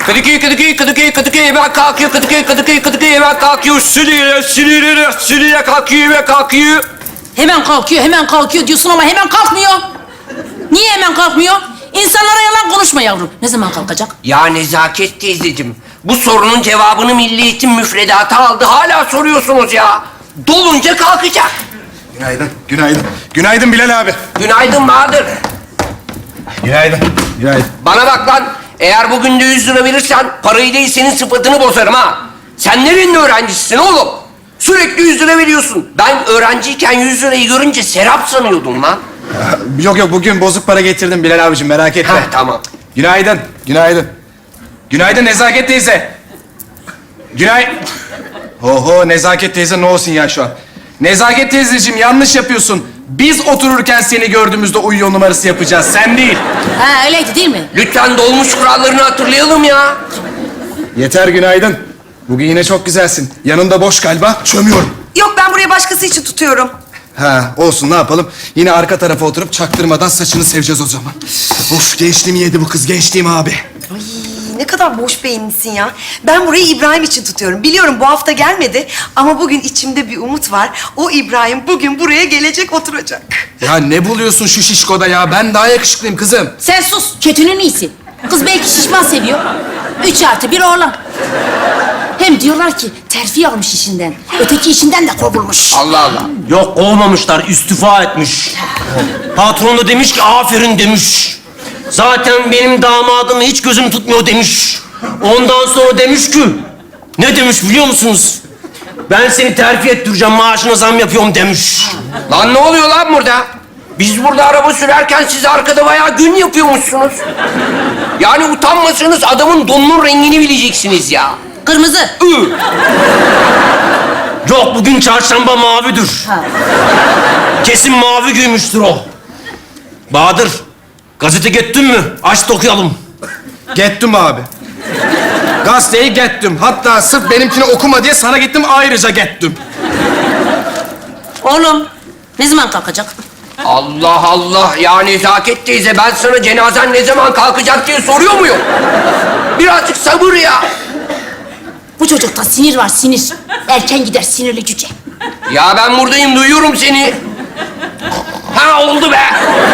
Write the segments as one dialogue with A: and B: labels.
A: Kadıköy hemen kalkıyor. Kadıköy hemen kalkıyor. Sülüyle kalkıyor ve kalkıyor.
B: Hemen kalkıyor diyorsun ama hemen kalkmıyor. Niye hemen kalkmıyor? İnsanlara yalan konuşma yavrum. Ne zaman kalkacak?
A: Ya Nezaket teyzeciğim, bu sorunun cevabını Milli Eğitim müfredatı aldı. Hala soruyorsunuz ya. Dolunca kalkacak.
C: Günaydın, günaydın. Günaydın Bilal abi.
A: Günaydın Bahadır.
C: Günaydın. Günaydın.
A: Bana bak lan, eğer bugün de 100 lira verirsen parayı değil senin sıfatını bozarım ha. Sen nerenin öğrencisisin oğlum? Sürekli 100 lira veriyorsun. Ben öğrenciyken 100 lirayı görünce serap sanıyordum lan.
C: Yok bugün bozuk para getirdim Bilal abicim, merak etme.
A: Heh, tamam.
C: Günaydın, günaydın. Günaydın Nezaket teyze. Oho, Nezaket teyze ne olsun ya şu an. Nezaket teyzeciğim yanlış yapıyorsun. Biz otururken seni gördüğümüzde uyuyor numarası yapacağız, sen değil.
B: Ha öyleydi değil mi?
A: Lütfen dolmuş kurallarını hatırlayalım ya.
C: Yeter, günaydın. Bugün yine çok güzelsin. Yanında boş galiba, çömüyorum.
D: Yok, ben buraya başkası için tutuyorum.
C: Ha, olsun, ne yapalım? Yine arka tarafa oturup çaktırmadan saçını seveceğiz o zaman. Of, gençliğimi yedi bu kız, gençliğim abi.
D: Ay, ne kadar boş beyinlisin ya. Ben burayı İbrahim için tutuyorum. Biliyorum bu hafta gelmedi ama bugün içimde bir umut var. O İbrahim bugün buraya gelecek, oturacak.
C: Ya ne buluyorsun şu şişkoda ya? Ben daha yakışıklıyım kızım.
B: Sen sus. Kötünün iyisi. Kız belki şişman seviyor. 3+1 oğlan. Hem diyorlar ki terfi almış işinden. Öteki işinden de kovulmuş.
A: Allah Allah.
E: Yok kovmamışlar, istifa etmiş. Patron da demiş ki aferin demiş. Zaten benim damadımı hiç gözüm tutmuyor demiş. Ondan sonra demiş ki, ne demiş biliyor musunuz? Ben seni terfi ettireceğim, maaşına zam yapıyorum demiş.
A: Lan ne oluyor lan burada? Biz burada araba sürerken siz arkada bayağı gün yapıyormuşsunuz. Yani utanmasanız adamın donunun rengini bileceksiniz ya.
B: Kırmızı.
E: Yok bugün çarşamba mavidir. Kesin mavi giymüştür o. Bahadır, gazete gettin mi? Aç da okuyalım.
C: Gettim abi. Gazeteyi gettim. Hatta sırf benimkini okuma diye sana gittim, ayrıca gettim.
B: Oğlum ne zaman kalkacak?
A: Allah Allah ya Nezaket teyze, ben sana cenazen ne zaman kalkacak diye soruyor muyum? Birazcık sabır ya.
B: Bu çocukta sinir var, sinir. Erken gider sinirli cüce.
A: Ya ben buradayım, duyuyorum seni. Ha oldu be.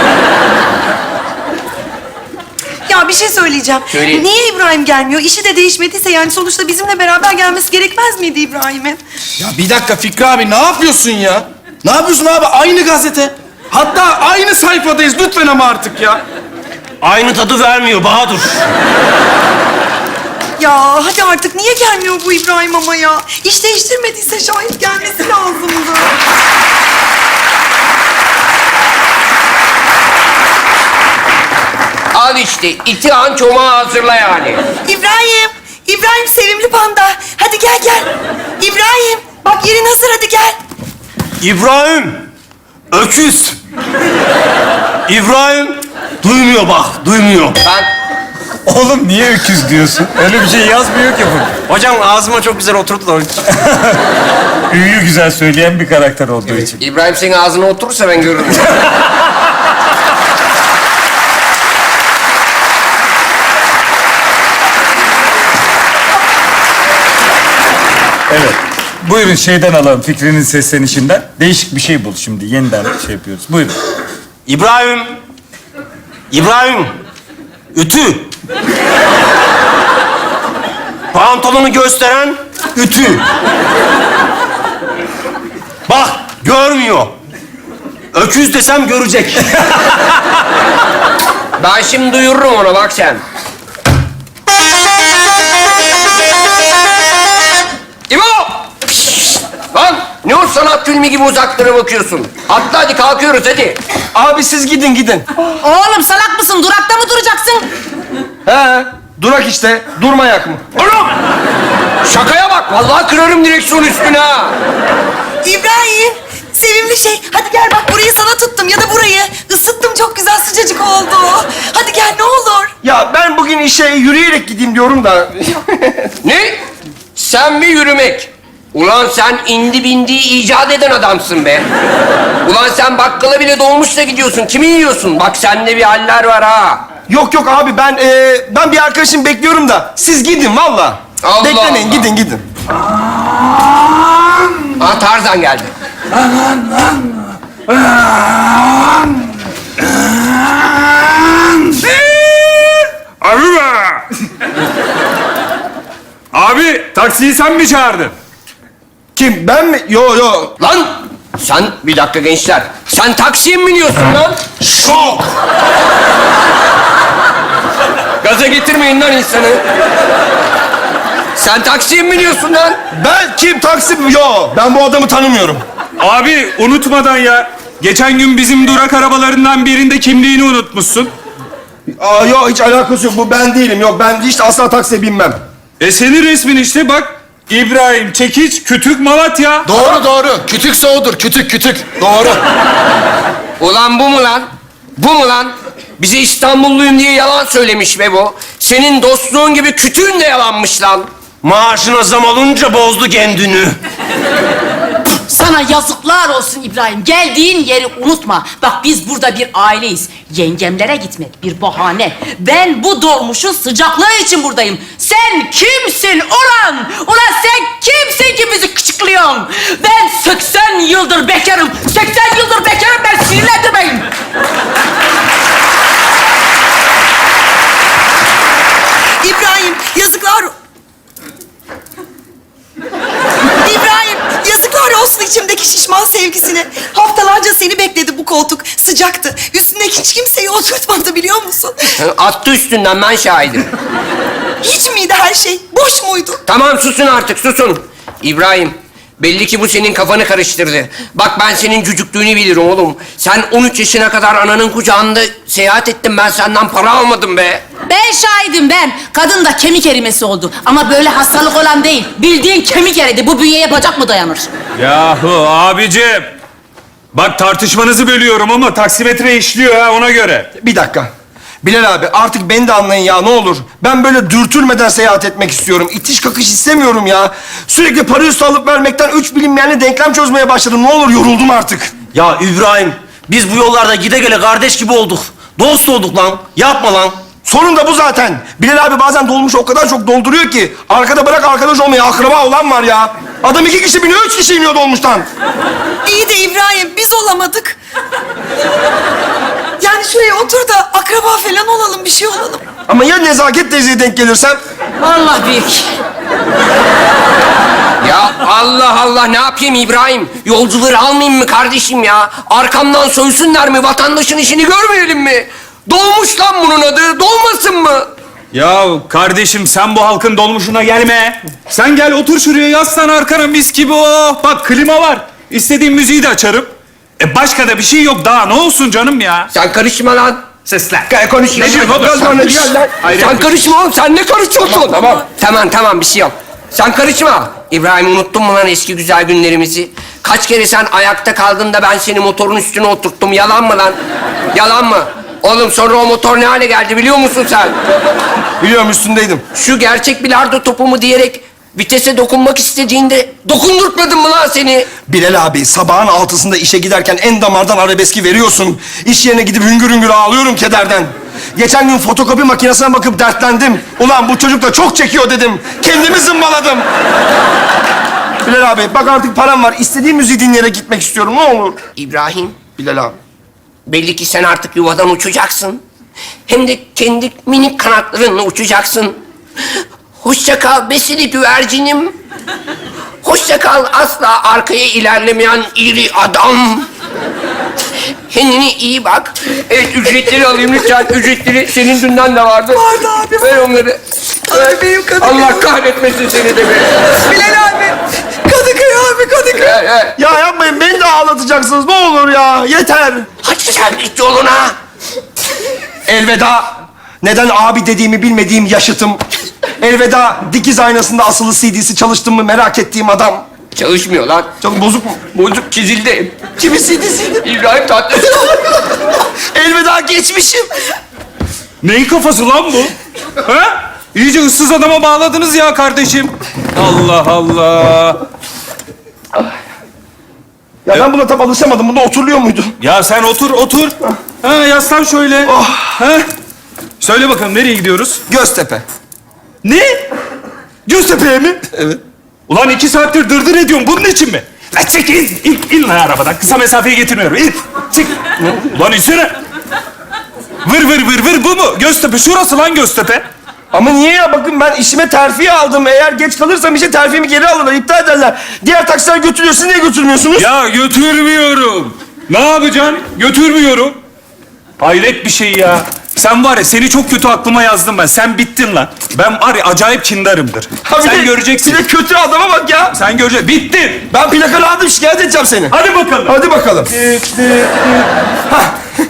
D: Ya bir şey söyleyeceğim.
A: Söyle.
D: Niye İbrahim gelmiyor? İşi de değişmediyse yani sonuçta bizimle beraber gelmesi gerekmez miydi İbrahim'in?
C: Ya bir dakika Fikri abi, ne yapıyorsun ya? Ne yapıyorsun abi? Aynı gazete. Hatta aynı sayfadayız. Lütfen ama artık ya.
E: Aynı tadı vermiyor Bahadır.
D: Ya hadi artık niye gelmiyor bu İbrahim ama ya? İş değiştirmediyse şahit gelmesi lazımdı.
A: Al işte, itihan çomağı hazırla yani.
D: İbrahim sevimli panda. Hadi gel. İbrahim, bak yerin hazır, hadi gel.
E: İbrahim, öküz. İbrahim, duymuyor bak, duymuyor.
A: Ben
F: Oğlum niye öküz diyorsun? Öyle bir şey yazmıyor ki bu.
E: Hocam ağzıma çok güzel oturdu da.
F: Üyü güzel söyleyen bir karakter olduğu için.
A: İbrahim senin ağzına oturursa ben görürüm.
F: Evet. Buyurun şeyden alalım, Fikri'nin seslenişinden. Değişik bir şey bul şimdi. Yeniden şey yapıyoruz. Buyurun.
E: İbrahim, ütü. Pantolonu gösteren ütü. Bak, görmüyor. Öküz desem görecek.
A: Ben şimdi duyururum ona, bak sen. İbo! Lan ne o sanat filmi gibi uzaklara bakıyorsun? Atla hadi, kalkıyoruz hadi.
E: Abi siz gidin.
B: Oğlum salak mısın? Durakta mı duracaksın?
E: He, durak işte. Durmayak mı?
A: Oğlum! Şakaya bak, vallahi kırarım direksiyon üstüne ha.
D: İbrahim, sevimli şey. Hadi gel bak, burayı sana tuttum ya da burayı. Isıttım, çok güzel sıcacık oldu. Hadi gel ne olur.
E: Ya ben bugün işe yürüyerek gideyim diyorum da.
A: Ne? Sen mi yürümek? Ulan sen indi bindiği icat eden adamsın be. Ulan sen bakkala bile dolmuşla gidiyorsun. Kimi yiyorsun? Bak sende bir haller var ha.
G: Yok yok abi ben bir arkadaşım bekliyorum da siz gidin valla.
A: Allah
G: Beklemeyin
A: Allah.
G: gidin.
A: Aa, Tarzan geldi.
F: Abi be! Abi taksiyi sen mi çağırdın?
G: Kim ben mi? Yo.
A: Lan sen bir dakika gençler. Sen taksiye mi biniyorsun lan?
G: Şok.
A: Gaza getirmeyin lan insanı. Sen taksiye mi biniyorsun lan?
G: Ben kim taksi? Yo ben bu adamı tanımıyorum.
F: Abi unutmadan ya. Geçen gün bizim durak arabalarından birinde kimliğini unutmuşsun.
G: Aa yo hiç alakası yok bu ben değilim. Yok ben hiç asla taksiye binmem.
F: Senin resmin işte bak. İbrahim Çekiç, Kütük, Malatya.
G: Doğru. Kütükse odur. Kütük. Doğru.
A: Ulan bu mu lan? Bu mu lan? Bize İstanbulluyum diye yalan söylemiş be bu. Senin dostluğun gibi kütüğün de yalanmış lan.
E: Maaşına zam olunca bozdu kendini.
B: Sana yazıklar olsun İbrahim. Geldiğin yeri unutma. Bak biz burada bir aileyiz. Yengemlere gitmek bir bahane. Ben bu dolmuşun sıcaklığı için buradayım. Sen kimsin ulan? Ulan sen kimsin ki bizi kıçıklıyorsun? Ben 80 yıldır bekarım. 80 yıldır bekarım, ben sinirlendirmeyin.
D: İbrahim yazıklar... İbrahim yazıklar olsun içimdeki şişman sevgisine. Haftalarca seni bekledi bu koltuk. Sıcaktı. Üstündeki hiç kimseyi oturtmadı biliyor musun?
A: Attı üstünden, ben şahidim.
D: Hiç miydi her şey? Boş muydu?
A: Tamam susun artık, susun. İbrahim, belli ki bu senin kafanı karıştırdı. Bak ben senin cücüklüğünü bilirim oğlum. Sen 13 yaşına kadar ananın kucağında seyahat ettin, ben senden para almadım be.
B: Ben şahidim ben. Kadın da kemik erimesi oldu. Ama böyle hastalık olan değil. Bildiğin kemik eridi. Bu bünyeye bacak mı dayanır?
F: Yahu abicim. Bak tartışmanızı bölüyorum ama taksimetre işliyor ha ona göre.
G: Bir dakika. Bilal abi artık beni de anlayın ya ne olur. Ben böyle dürtülmeden seyahat etmek istiyorum. İtiş kakış istemiyorum ya. Sürekli para üstü alıp vermekten üç bilinmeyenle denklem çözmeye başladım. Ne olur yoruldum artık.
E: Ya İbrahim, biz bu yollarda gide gele kardeş gibi olduk. Dost olduk lan. Yapma lan.
G: Sorun da bu zaten. Bilal abi bazen dolmuş o kadar çok dolduruyor ki. Arkada bırak arkadaş olmayı akraba olan var ya. Adam 2 kişi biniyor, 3 kişi iniyor dolmuştan.
D: İyi de İbrahim biz olamadık. Yani şuraya otur da akraba falan olalım, bir şey olalım.
G: Ama ya Nezaket teyzeye denk gelirsem?
B: Allah büyük.
A: Ya Allah Allah, ne yapayım İbrahim? Yolcuları almayayım mı kardeşim ya? Arkamdan soysunlar mı? Vatandaşın işini görmeyelim mi? Dolmuş lan bunun adı, dolmasın mı?
F: Ya kardeşim sen bu halkın dolmuşuna gelme. Sen gel otur şuraya yaslan arkana mis gibi oh. Bak klima var. İstediğin müziği de açarım. Başka da bir şey yok daha ne olsun canım ya.
A: Sen karışma lan.
F: Sesler.
A: Konuşuyorsun.
F: Ne diyorsun oğlum?
A: Gel lan.
F: Hayret
A: Sen
F: bir-
A: karışma oğlum, sen ne karışıyorsun? Tamam bir şey yok. Sen karışma. İbrahim, unuttun mu lan eski güzel günlerimizi? Kaç kere sen ayakta kaldın da ben seni motorun üstüne oturttum. Yalan mı lan? Yalan mı? Oğlum sonra o motor ne hale geldi biliyor musun sen?
G: Biliyorum üstündeydim.
A: Şu gerçek bilardo topu mu diyerek vitese dokunmak istediğinde dokundurtmadım mı lan seni?
G: Bilal abi sabahın 6'sında işe giderken en damardan arabeski veriyorsun. İş yerine gidip hüngür hüngür ağlıyorum kederden. Geçen gün fotokopi makinesine bakıp dertlendim. Ulan bu çocuk da çok çekiyor dedim. Kendimi zımbaladım. Bilal abi bak artık param var. İstediğim müziği dinleyerek gitmek istiyorum ne olur.
A: İbrahim,
G: Bilal abi.
A: belli ki sen artık yuvadan uçacaksın. Hem de kendi minik kanatlarınla uçacaksın. Hoşça kal besili güvercinim. Hoşça kal asla arkaya ilerlemeyen iri adam. Kendine iyi bak. Evet, ücretleri alayım lütfen. Ücretleri senin dünden de vardı.
D: Vardı abi.
A: Ver onları.
D: Ay benim Kadıköy.
A: Allah kahretmesin seni de be.
D: Bilal abi. Kadıköy abi, Kadıköy.
A: Ver.
G: Ya yapmayın beni de ağlatacaksınız ne olur ya. Yeter.
A: Hadi sen git yoluna.
G: Elveda. Neden abi dediğimi bilmediğim yaşıtım. Elveda dikiz aynasında asılı CD'si çalıştım mı merak ettiğim adam.
A: Çalışmıyor lan.
G: Çok bozuk mu?
A: Bozuk, çizildi.
G: Kimin CD'siydi?
A: İbrahim Tatlıses.
G: Elveda geçmişim.
F: Neyin kafası lan bu? Ha? İyice ıssız adama bağladınız ya kardeşim. Allah Allah.
G: Ya ben buna tam alışamadım. Bunda oturuluyor muydu?
F: Ya sen otur. Ha yaslan şöyle.
G: Oh.
F: Ha? Söyle bakalım nereye gidiyoruz?
G: Göztepe.
F: Ne? Göztepe'ye mi?
G: Evet.
F: Ulan 2 saattir dırdır ediyorum. Bunun için mi? Lan çık in lan arabadan. Kısa mesafeyi getirmiyorum. İn. Çık. Ulan insene. Vır bu mu? Göztepe. Şurası lan Göztepe.
G: Ama niye ya? Bakın ben işime terfi aldım. Eğer geç kalırsam işe terfimi geri alırlar, iptal ederler. Diğer taksiler götürüyor. Siz niye götürmüyorsunuz?
F: Ya götürmüyorum. Ne yapacaksın? Götürmüyorum. Hayret bir şey ya. Sen var ya, seni çok kötü aklıma yazdım ben. Sen bittin lan. Ben var ya acayip kindarımdır.
G: Ha, bir
F: Sen
G: de-
F: göreceksin.
G: Bir de kötü adama bak ya.
F: Sen göreceksin. Bittin.
G: Ben plakalı aldım, şikayet edeceğim seni.
F: Hadi bakalım.
G: Hadi bakalım. Hah.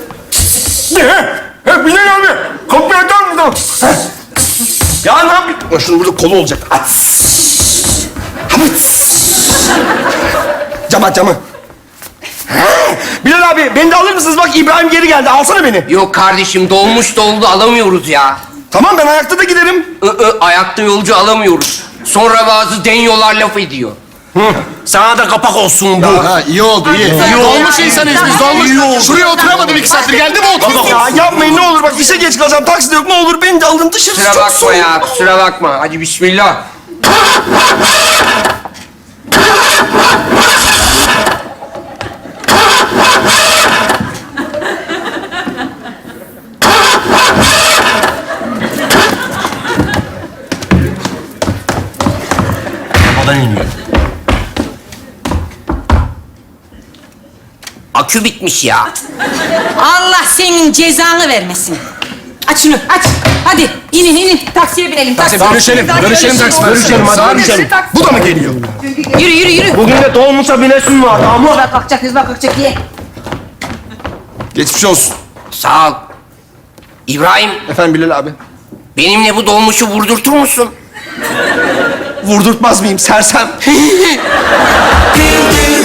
G: Bilal abi, kapıyı açar mısın? Heh. Ya ne yapayım? Ya şunun burada kolu olacak. Aç. Cam aç camı. Bilal abi, beni de alır mısınız? Bak İbrahim geri geldi. Alsana beni.
A: Yok kardeşim dolmuş doldu alamıyoruz ya.
G: Tamam, ben ayakta da giderim.
A: Ayakta yolcu alamıyoruz. Sonra bazı denyolar laf ediyor.
E: Sana da kapak olsun bu.
G: Ha, iyi oldu, iyi.
H: Dolmuş insanıyız biz, dolmuş. Şuraya oturamadım 2 saattir, geldi mi oturdum?
G: Ya yapmayın ne olur, bak işe geç kalacağım. Taksi de yok, ne olur beni de alın dışarı.
A: Kusura
G: çok
A: bakma
G: soğuk.
A: ya, kusura bakma. Hadi bismillah.
E: Arabadan iniyor.
A: Akü bitmiş ya.
B: Allah senin cezanı vermesin. Aç şunu, aç. Hadi inin. Taksiye binelim. Taksi.
C: Bölüşelim taksi.
G: Bölüşelim, hadi bölüşelim. Bu da mı geliyor?
B: Yürü.
E: Bugün de dolmuşa binesin var ama.
B: Bak kalkacak, hızla kalkacak diye.
G: Geçmiş olsun.
A: Sağ ol. İbrahim,
G: Efendim Bilal abi.
A: benimle bu dolmuşu vurdurtur musun?
G: Vurdurtmaz mıyım sersem?